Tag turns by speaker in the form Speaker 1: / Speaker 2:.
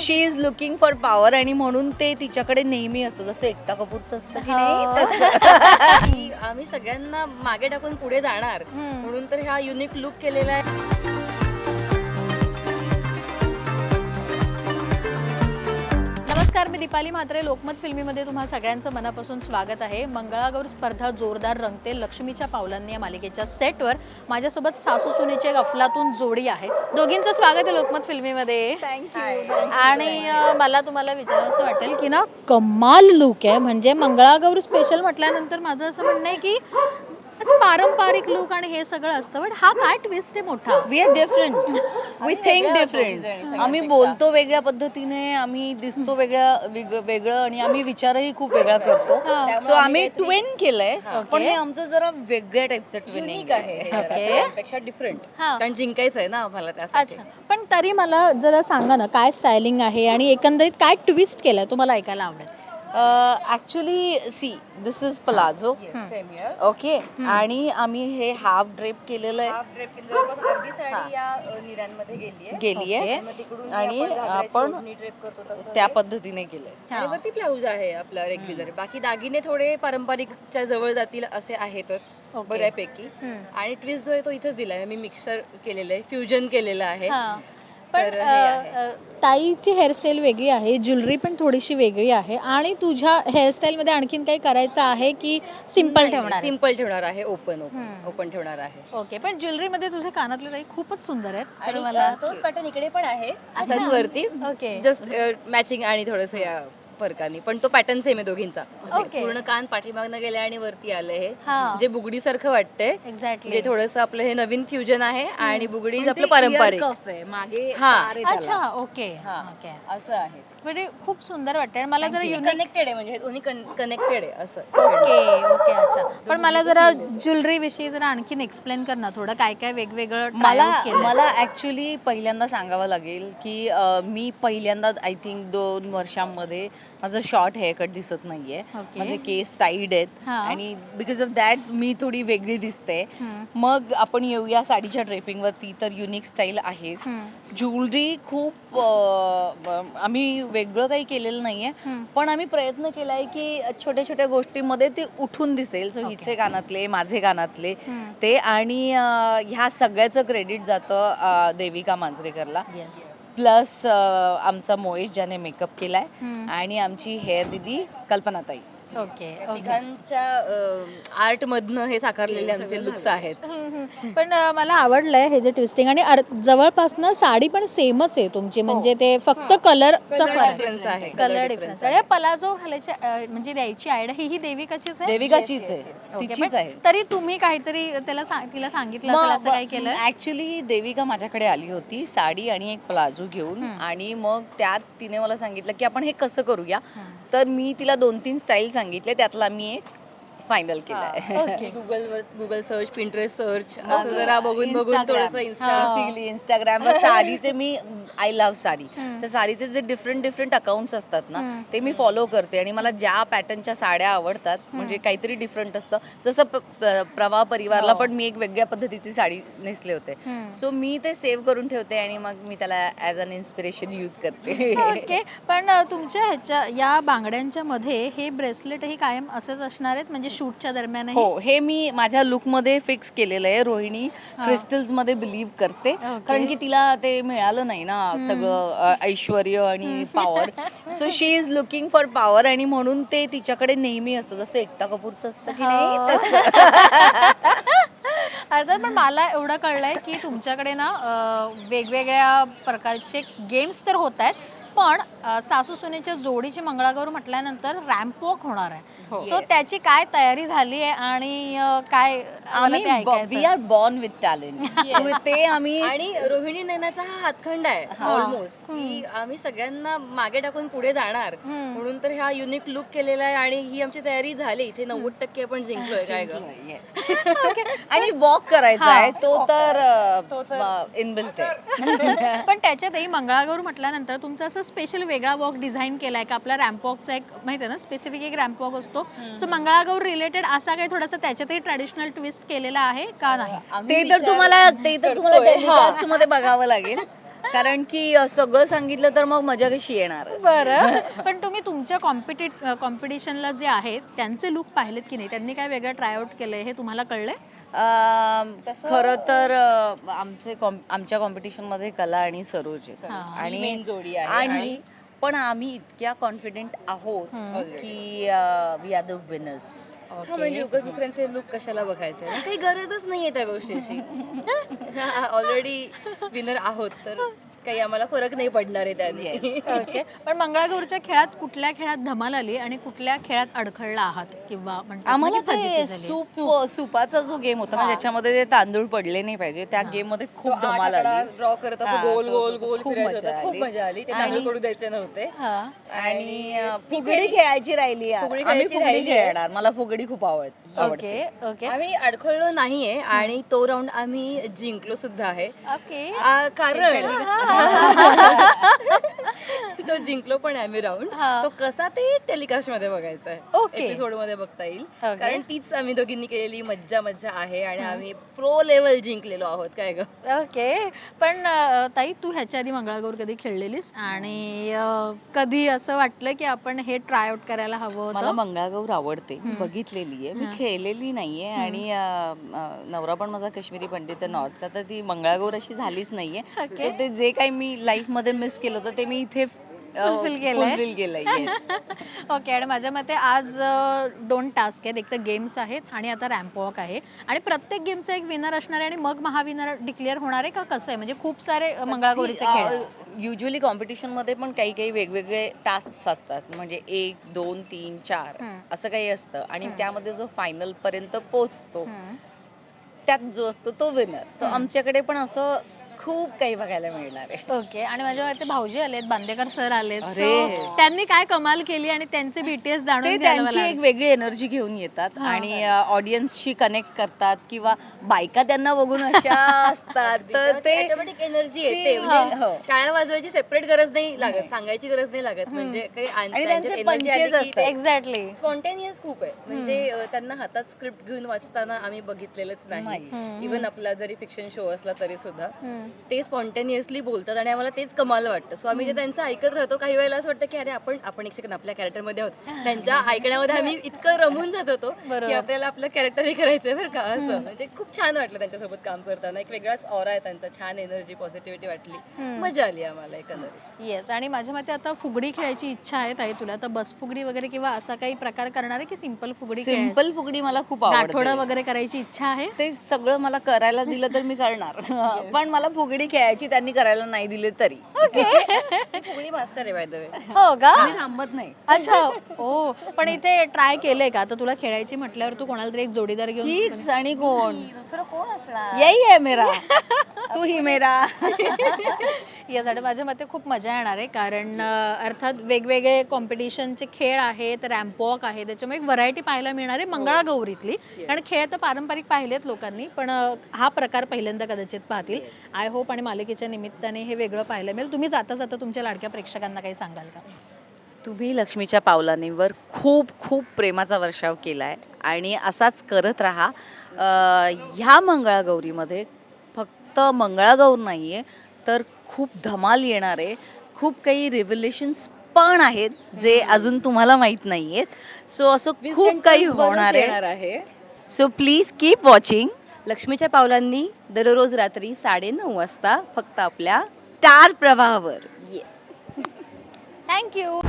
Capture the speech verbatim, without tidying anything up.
Speaker 1: She is looking for power आणि म्हणून ते तिच्याकडे नेहमी असतं, जसं एकता कपूरचं असतं की नाही तसं.
Speaker 2: की आम्ही सगळ्यांना मागे टाकून पुढे जाणार म्हणून तर हा युनिक लुक केलेला आहे.
Speaker 3: नमस्कार, मी दीपाली म्हात्रे. लोकमत फिल्मीमध्ये तुम्हा सगळ्यांचं मनापासून स्वागत आहे. मंगळागौर स्पर्धा जोरदार रंगते. लक्ष्मीच्या पावलांनी या मालिकेच्या सेटवर माझ्यासोबत सासू सुनेची एक अफलातून जोडी आहे. दोघींचं स्वागत आहे लोकमत फिल्मीमध्ये.
Speaker 1: थँक्यू.
Speaker 3: आणि अ, मला तुम्हाला विचारावं असं वाटेल की ना, कमाल लुक आहे. म्हणजे मंगळागौर स्पेशल म्हटल्यानंतर माझं असं म्हणणं आहे की असं पारंपरिक लुक आणि हे सगळं असतं, पण हा काय ट्विस्ट आहे मोठा.
Speaker 1: We are different, we think
Speaker 2: वेगळं
Speaker 1: डिफरंट.
Speaker 2: सगळ्यांपेक्षा.
Speaker 1: आम्ही बोलतो वेगळ्या पद्धतीने, आम्ही दिसतो वेगळ्या वेग- वेगळं आणि आम्ही विचारही खूप वेगळा करतो.
Speaker 3: हा.
Speaker 1: सो आम्ही ट्विन केलंय,
Speaker 2: हा.
Speaker 1: पण
Speaker 3: Okay.
Speaker 1: हे आमचं जरा वेगळ्या टाईपचं ट्विनिंग
Speaker 2: युनिक आहे हे जरा
Speaker 3: Okay.
Speaker 2: सगळ्यांपेक्षा डिफरंट.
Speaker 3: हा.
Speaker 2: कारण जिंकायचं आहे ना आम्हाला त्यासाठी.
Speaker 3: अच्छा, पण तरी मला जरा सांगा ना, काय स्टायलिंग आहे आणि एकंदरीत काय ट्विस्ट केलंय, तुम्हाला ऐकायला आवडेल.
Speaker 1: Actually see this is palazzo.
Speaker 2: Yes, same here.
Speaker 1: Okay, आणि आम्ही हे हाफ ड्रेप केलेलं आहे,
Speaker 2: Half drape केली, जवळपास अर्धी साडी या अ, निऱ्यांमध्ये गेली आहे.
Speaker 1: गेली आहे
Speaker 3: Okay.
Speaker 2: मग तिकडून
Speaker 1: आणि
Speaker 2: आपण घागराची
Speaker 1: आपण
Speaker 2: ओढणी drape करतो तसं
Speaker 1: त्या
Speaker 2: हे.
Speaker 1: पद्धतीने केलंय.
Speaker 2: आणि वरती ब्लाऊज आहे आपला रेग्युलर. बाकी दागिने थोडे पारंपरिकच्या जवळ जातील असे आहेतच
Speaker 3: Okay.
Speaker 2: बऱ्यापैकी.
Speaker 3: हम्म.
Speaker 2: आणि ट्विस्ट जो आहे तो इथेच दिला आहे. मी मिक्सर केलेलं आहे, फ्युजन केलेलं आहे.
Speaker 3: हा. पण
Speaker 2: तर हे
Speaker 3: अ,
Speaker 2: आहे.
Speaker 3: अ, ताईची हेअरस्टाईल वेगळी आहे, ज्वेलरी पण थोडीशी वेगळी आहे, आणि तुझ्या हेअरस्टाईल मध्ये आणखीन काही करायचं आहे की सिम्पल ठेवणार आहेस?
Speaker 2: सिंपल ठेवणार आहे, ओपन ओपन
Speaker 3: हम्म.
Speaker 2: ओपन ठेवणार आहे.
Speaker 3: ओके, पण ज्वेलरी मध्ये तुझे कानातले ताई खूपच सुंदर आहेत. तर
Speaker 2: आणि
Speaker 3: मला
Speaker 2: अ, तोच पॅटर्न इकडे पण आहे
Speaker 3: अच्छा.
Speaker 2: असाच वरती,
Speaker 3: ओके.
Speaker 2: जस्ट मॅचिंग आणि थोडंसं या फरकाने, पण तो पॅटर्न सेम आहे दोघींचा.
Speaker 3: Okay.
Speaker 2: पूर्ण कान पाठीमागनं गेले आणि वरती आले हे,
Speaker 3: हा.
Speaker 2: जे बुगडी सारखं वाटतंय.
Speaker 3: एक्झॅक्टली.
Speaker 2: जे थोडंसं आपलं हे नवीन फ्युजन आहे आणि बुगडी
Speaker 1: पण
Speaker 2: आपलं
Speaker 1: ते
Speaker 2: पारंपरिक
Speaker 1: ear cuff आहे, मागे
Speaker 2: हा.
Speaker 1: तार आहे त्याला.
Speaker 3: अच्छा, ओके.
Speaker 2: हा.
Speaker 3: ओके,
Speaker 2: असं आहे.
Speaker 3: म्हणजे खूप सुंदर वाटतंय. आणि मला जरा युनिक.
Speaker 2: कनेक्टेड आहे, म्हणजे हे दोन्ही कनेक्टेड आहे असं.
Speaker 3: ओके ओके, अच्छा. पण मला जरा ज्वेलरी विषयी जरा आणखीन एक्सप्लेन कर ना थोडं, काय काय वेगवेगळं try
Speaker 1: मला
Speaker 3: out केलंय.
Speaker 1: मला ऍक्च्युली पहिल्यांदा सांगावं लागेल की अ, मी पहिल्यांदा आय थिंक दोन वर्षांमध्ये माझं शॉर्ट हेअर कट दिसत नाहीये.
Speaker 3: Okay.
Speaker 1: माझे केस टाईड आहेत
Speaker 3: हा.
Speaker 1: आणि बिकॉज ऑफ दॅट मी थोडी वेगळी दिसते.
Speaker 3: हम्म.
Speaker 1: मग आपण येऊया साडीच्या ड्रेपिंगवरती. तर युनिक स्टाईल आहे.
Speaker 3: हम्म.
Speaker 1: ज्वेलरी खूप अ, ब- आम्ही वेगळं काही केलेलं नाहीये,
Speaker 3: हम्म.
Speaker 1: पण आम्ही प्रयत्न केलाय की छोट्या छोट्या गोष्टींमध्ये ते उठून दिसेल. So
Speaker 3: Okay.
Speaker 1: हिचे कानातले, माझे कानातले
Speaker 3: हम्म.
Speaker 1: ते, आणि अ, ह्या सगळ्याचं क्रेडिट जातं अ, देविका मांजरेकरला.
Speaker 3: Yes.
Speaker 1: प्लस आमचा मोहेश ज्याने मेकअप केलाय,
Speaker 3: हम्म.
Speaker 1: आणि आमची हेअर दिदी कल्पनाताई.
Speaker 3: Okay okay.
Speaker 2: तिघांच्या आर्ट मधनं हे साकारलेले आमचे लुक्स आहेत.
Speaker 3: हम्म, हम्म. पण अ, मला आवडलंय हे जे ट्विस्टिंग, आणि अर- जवळपासनं साडी पण सेमच आहे तुमची, म्हणजे ते फक्त कलरचा
Speaker 2: Colour
Speaker 3: फरक
Speaker 2: difference आहे.
Speaker 3: Colour
Speaker 2: Colour
Speaker 3: difference.
Speaker 2: difference
Speaker 3: आणि पलाझो घालायची अ, म्हणजे द्यायची आयडिया ही ही देविकाचीच आहे.
Speaker 1: देविकाचीच
Speaker 2: yes,
Speaker 1: आहे,
Speaker 2: yes,
Speaker 3: ओके,
Speaker 1: तिचीच
Speaker 3: पण
Speaker 1: आहे.
Speaker 3: तरी तुम्ही काहीतरी त्याला सांग- तिला सांगितलं असेल असं काय केलं?
Speaker 1: ऍक्च्युली देविका माझ्याकडे आली होती साडी आणि एक प्लाझो घेऊन,
Speaker 3: हम्म.
Speaker 1: आणि मग त्यात तिने मला सांगितलं की आपण हे कसं करूया. तर मी तिला दोन तीन स्टाईल सांगितले, त्यातला मी एक फायनल केलाय.
Speaker 3: Okay.
Speaker 2: Google Google search, Pinterest search असं जरा बघून बघून
Speaker 1: Instagram.
Speaker 2: थोडंसं इन्स्टा.
Speaker 3: हा.
Speaker 1: बेसिकली इंस्टाग्रामवर साडीचे मी आय लव्ह साडी,
Speaker 3: हम्म.
Speaker 1: तर साडीचे जे डिफरंट डिफरंट अकाउंट्स असतात ना,
Speaker 3: हम्म.
Speaker 1: ते मी फॉलो करते, आणि मला ज्या पॅटर्नच्या साड्या आवडतात, म्हणजे काहीतरी डिफरंट असतं. जसं प- प- प्रवाह परिवारला
Speaker 3: हो.
Speaker 1: पण मी एक वेगळ्या पद्धतीची साडी नेसले होते,
Speaker 3: हम्म.
Speaker 1: सो मी ते सेव्ह करून ठेवते आणि मग मी त्याला ॲज अन इन्स्पिरेशन यूज करते.
Speaker 3: ओके, पण अ, तुमच्या ह्याच्या या बांगड्यांच्या मध्ये हे ब्रेसलेट ही कायम असेच असणार आहेत, म्हणजे शूटच्या दरम्यान?
Speaker 1: हो, हे मी माझ्या लुकमध्ये फिक्स केलेलं आहे. रोहिणी
Speaker 3: हा.
Speaker 1: क्रिस्टल्स मध्ये बिलीव्ह करते,
Speaker 3: ओके.
Speaker 1: कारण की तिला ते मिळालं नाही ना सगळं अ, ऐश्वर्य आणि power. So she is looking for power आणि म्हणून ते तिच्याकडे नेहमी असतं, जसं एकता कपूरचं असतं की नाही
Speaker 3: हो.
Speaker 1: तसं.
Speaker 3: अर्थात, पण मला एवढं कळलंय की तुमच्याकडे ना अ, वेगवेगळ्या प्रकारचे गेम्स तर होत आहेत, पण अ, सासू सुनेच्या जोडीची मंगळागौर म्हटल्यानंतर रॅम्प वॉक होणार आहे.
Speaker 1: हो.
Speaker 3: सो त्याची काय तयारी झाली आहे आणि अ, काय मला ते
Speaker 1: आम्ही
Speaker 3: ऐकायचं
Speaker 1: we are born with talent. ते आम्ही
Speaker 2: आणि रोहिणी नयनाचा हा हातखंड आहे
Speaker 3: हा.
Speaker 2: ऑलमोस्ट, की आम्ही सगळ्यांना मागे टाकून पुढे जाणार
Speaker 3: हम्म.
Speaker 2: म्हणून तर हा युनिक लुक केलेला आहे. आणि ही आमची तयारी झाली. इथे नव्वद टक्के आपण जिंकलोय काय ग.
Speaker 1: Yes. आणि वॉक करायचा
Speaker 3: हा.
Speaker 1: आहे तो तर
Speaker 2: तो तर-
Speaker 1: इनबिल्ट आहे.
Speaker 3: पण त्याच्यातही मंगळागौर म्हटल्यानंतर तुमचा असं स्पेशल वेगळा वॉक डिझाईन केलाय का? आपला रॅम्प वॉकचा एक माहिती आहे ना, स्पेसिफिक एक रॅम्प वॉक असतो. सो मंगळागौर रिलेटेड असा काही थोडासा त्याच्यातही ट्रॅडिशनल ट्विस्ट केलेला आहे का नाही?
Speaker 2: आम्ही
Speaker 1: ते तर
Speaker 2: विचार
Speaker 1: तुम्हाला ते तर तुम्हाला
Speaker 2: करतोय.
Speaker 1: टेलिकास्ट मध्ये बघावं लागेल. कारण की अ, सगळं सांगितलं तर मग मजा कशी येणार.
Speaker 3: बरं पण तुम्ही तुमच्या कॉम्पिटिट कॉम्पिटिशनला जे आहेत त्यांचे लुक पाहिलेत की नाही, त्यांनी काय वेगळं ट्रायआउट केलंय हे तुम्हाला कळलंय?
Speaker 1: अम,
Speaker 2: तसं-
Speaker 1: खरं तर अ, आमचे कॉम- आमच्या कॉम्पिटिशन मध्ये कला आणि सरोज आहे.
Speaker 3: हा.
Speaker 2: आणि
Speaker 1: आणि
Speaker 2: मेन जोडी आहे
Speaker 1: आणि
Speaker 2: आणि
Speaker 1: पण आम्ही इतक्या कॉन्फिडेंट आहोत
Speaker 3: हम्म.
Speaker 1: की वी आर द विनर्स.
Speaker 2: हा, म्हणजे उगाच दुसऱ्यांचे लुक कशाला बघायचे ना, काही गरजच नाहीये त्या गोष्टीची. ऑलरेडी विनर आहोत तर काही आम्हाला फरक नाही पडणार आहे त्याने.
Speaker 3: ओके पण मंगळागौरच्या खेळात कुठल्या खेळात धमाल आली आणि कुठल्या खेळात अडखळला आहात किंवा म्हणतात ना
Speaker 1: आम्हाला
Speaker 3: की फजिती
Speaker 1: ते
Speaker 3: झाली?
Speaker 1: सूप सूपाचा जो गेम होता ना
Speaker 2: हा.
Speaker 1: ज्याच्यामध्ये ते तांदूळ पडले नाही पाहिजे त्या गेम मध्ये खूप धमाल आली.
Speaker 2: ड्रॉ करत
Speaker 1: हा,
Speaker 2: असं गोल
Speaker 1: तो-
Speaker 2: गोल
Speaker 1: तो-
Speaker 2: गोल
Speaker 1: खूप
Speaker 2: फिरायचं
Speaker 1: मजा
Speaker 2: होतं. खूप
Speaker 1: आली.
Speaker 2: मजा आली. ते
Speaker 1: आणि-
Speaker 2: तांदूळ पडू द्यायचे नव्हते.
Speaker 3: हा.
Speaker 1: आणि अ,
Speaker 2: मी
Speaker 1: फुगडी
Speaker 2: घरी-
Speaker 1: खेळायची राहिली यार.
Speaker 2: फुगडी
Speaker 1: आम्ही
Speaker 2: खेळायची
Speaker 1: फुगडी
Speaker 2: राहिली आहे.
Speaker 1: खेळणार. मला फुगडी खूप आवड आवडते.
Speaker 3: ओके ओके
Speaker 2: आम्ही अडखळलो नाहीये आणि तो राऊंड आम्ही जिंकलो सुद्धा आहे.
Speaker 3: ओके
Speaker 2: आ, कारण तो जिंकलो पण आहे आम्ही राऊंड.
Speaker 3: हा.
Speaker 2: तो कसा ते टेलिकास्ट मध्ये बघायचा आहे,
Speaker 3: ओके.
Speaker 2: एपिसोड मध्ये बघता येईल.
Speaker 3: ओके.
Speaker 2: कारण तीच आम्ही दोघींनी केलेली मज्जा मज्जा आहे आणि आम्ही प्रो लेवल जिंकलेलो आहोत. काय ग,
Speaker 3: ओके पण अ, ताई तू ह्याच्या आधी मंगळागौर कधी खेळलेलीस आणि अ, कधी असं वाटलं की आपण हे ट्राय आउट करायला हवं
Speaker 1: मला
Speaker 3: होतं?
Speaker 1: मंगळागौर आवडते. मी बघितलेली आहे. मी
Speaker 3: हा.
Speaker 1: खेळलेली नाहीये आणि अ, अ, नवरा पण माझा काश्मीरी पंडित आहे नॉर्थचा तर ती मंगळागौर अशी झालीच नाहीये.
Speaker 3: ओके.
Speaker 1: सो ते जे काही मी लाईफ मध्ये मिस केलं होतं ते मी इथे
Speaker 3: Fulfill केलंय.
Speaker 1: फुलफिल केलंय. येस.
Speaker 3: ओके आणि माझ्या मते आज अ, दोन टास्क आहेत, एक तर गेम्स आहेत आणि आता रॅम्प वॉक आहे आणि प्रत्येक गेमचा एक विनर असणार आहे आणि मग महाविनर डिक्लेअर होणार आहे का कसं आहे? म्हणजे खूप सारे अ, मंगळागौरीचे खेळ आहेत.
Speaker 1: युजली कॉम्पिटिशन मध्ये पण काही काही वेगवेगळे टास्क असतात म्हणजे एक दोन तीन चार
Speaker 3: हम्म.
Speaker 1: असं काही असतं आणि
Speaker 3: हम्म.
Speaker 1: त्यामध्ये जो फायनल पर्यंत पोहोचतो
Speaker 3: हम्म.
Speaker 1: त्यात जो असतो तो विनर. तो
Speaker 3: हम्म.
Speaker 1: आमच्याकडे पण असं खूप काही बघायला मिळणार आहे.
Speaker 3: ओके आणि माझ्या मते भाऊजी आलेत, बांदेकर सर आलेत.
Speaker 1: अरे.
Speaker 3: So, त्यांनी काय कमाल केली आणि त्यांचे बीटीएस
Speaker 1: ते
Speaker 3: जाणून घ्यायला
Speaker 1: त्यांची
Speaker 3: मला
Speaker 1: एक वेगळी एनर्जी घेऊन येतात
Speaker 3: हा.
Speaker 1: आणि ऑडियन्सशी कनेक्ट करतात किंवा बायका त्यांना बघून अशा असतात तर ते
Speaker 2: ऑटोमॅटिक एनर्जी येते.
Speaker 1: ते-
Speaker 2: म्हणजे
Speaker 1: हो.
Speaker 2: टाळ्या वाजवायची सेपरेट गरज नाही लागत, सांगायची गरज नाही लागत. म्हणजे काही
Speaker 1: आणि त्यांचे पंचेस असतात.
Speaker 3: एक्झॅक्टली
Speaker 2: स्पॉन्टेनियस खूप आहे. म्हणजे अ, त्यांना हातात स्क्रिप्ट घेऊन वाचताना आम्ही बघितलेलंच नाही.
Speaker 1: नाही.
Speaker 3: हम्म.
Speaker 2: इव्हन आपला जरी फिक्शन शो असला तरी सुद्धा ते स्पॉन्टेनियसली बोलतात आणि आम्हाला तेच कमाल वाटतं. सो आम्ही जे त्यांचं ऐकत राहतो काही वेळेला असं वाटतं की अरे आपण आपण एक सेकंड आपल्या कॅरेक्टरमध्ये आहोत. त्यांच्या ऐकण्यामध्ये आम्ही इतकं रमून जात होतो
Speaker 3: बरोबर.
Speaker 2: की आपल्याला आपलं कॅरेक्टरही करायचंय बरं का. असं म्हणजे खूप छान वाटलं त्यांच्यासोबत काम करताना. एक वेगळाच ऑरा आहे त्यांचा, छान एनर्जी पॉझिटिव्हिटी वाटली.
Speaker 3: हम्म.
Speaker 2: मजा आली आम्हाला एकंदरीत.
Speaker 3: येस आणि माझ्या मते आता फुगडी खेळायची इच्छा आहे ताई तुला, तर बस फुगडी वगैरे किंवा असा काही प्रकार करणार आहे की सिंपल फुगडी खेळायची?
Speaker 1: सिंपल फुगडी मला खूप
Speaker 3: गाठोडं
Speaker 1: आवडते.
Speaker 3: वगैरे करायची इच्छा आहे?
Speaker 1: ते सगळं मला करायला दिलं तर मी करणार पण मला फुगडी खेळायची त्यांनी करायला नाही दिले तरी
Speaker 2: मी फुगडी मास्टर आहे बाय द वे.
Speaker 3: हो का?
Speaker 1: मी थांबत नाही.
Speaker 3: अच्छा हो पण इथे ट्राय केलंय का? तर तुला खेळायची म्हटल्यावर तू कोणाला तरी एक जोडीदार घेऊन
Speaker 1: हीच आणि कोण
Speaker 2: दुसरं कोण असणार?
Speaker 1: यही है मेरा तू ही मेरा.
Speaker 3: यासाठी माझ्या मते खूप मजा येणार आहे कारण अं, अर्थात वेगवेगळे कॉम्पिटिशनचे खेळ आहेत, रॅम्प वॉक आहे, त्याच्यामुळे एक व्हरायटी पाहायला मिळणार आहे मंगळागौरीतली. कारण खेळ तर पारंपरिक पाहिलेत लोकांनी पण अं, हा प्रकार पहिल्यांदा कदाचित पाहतील. आय होप आणि मालिकेच्या निमित्ताने हे वेगळं पाहायला मिळेल. तुम्ही जाता जाता तुमच्या लाडक्या प्रेक्षकांना काही सांगाल का?
Speaker 1: तुम्ही लक्ष्मीच्या पावलांवर खूप खूप प्रेमाचा वर्षाव केलाय आणि असाच करत राहा. अं, ह्या मंगळागौरीमध्ये फक्त मंगळागौर नाहीये तर खूप धमाल येणार आहे. खूप काही रिव्हिलेशन्स पण आहेत जे अजून तुम्हाला माहीत नाही आहेत. सो असं खूप काही होणार
Speaker 2: येणार
Speaker 1: आहे.
Speaker 2: आहे.
Speaker 1: सो प्लीज कीप वॉचिंग
Speaker 2: लक्ष्मीच्या पावलांनी दररोज रात्री साडे नऊ वाजता फक्त आपल्या
Speaker 1: स्टार प्रवाहावर.
Speaker 2: ये
Speaker 3: थँक्यू.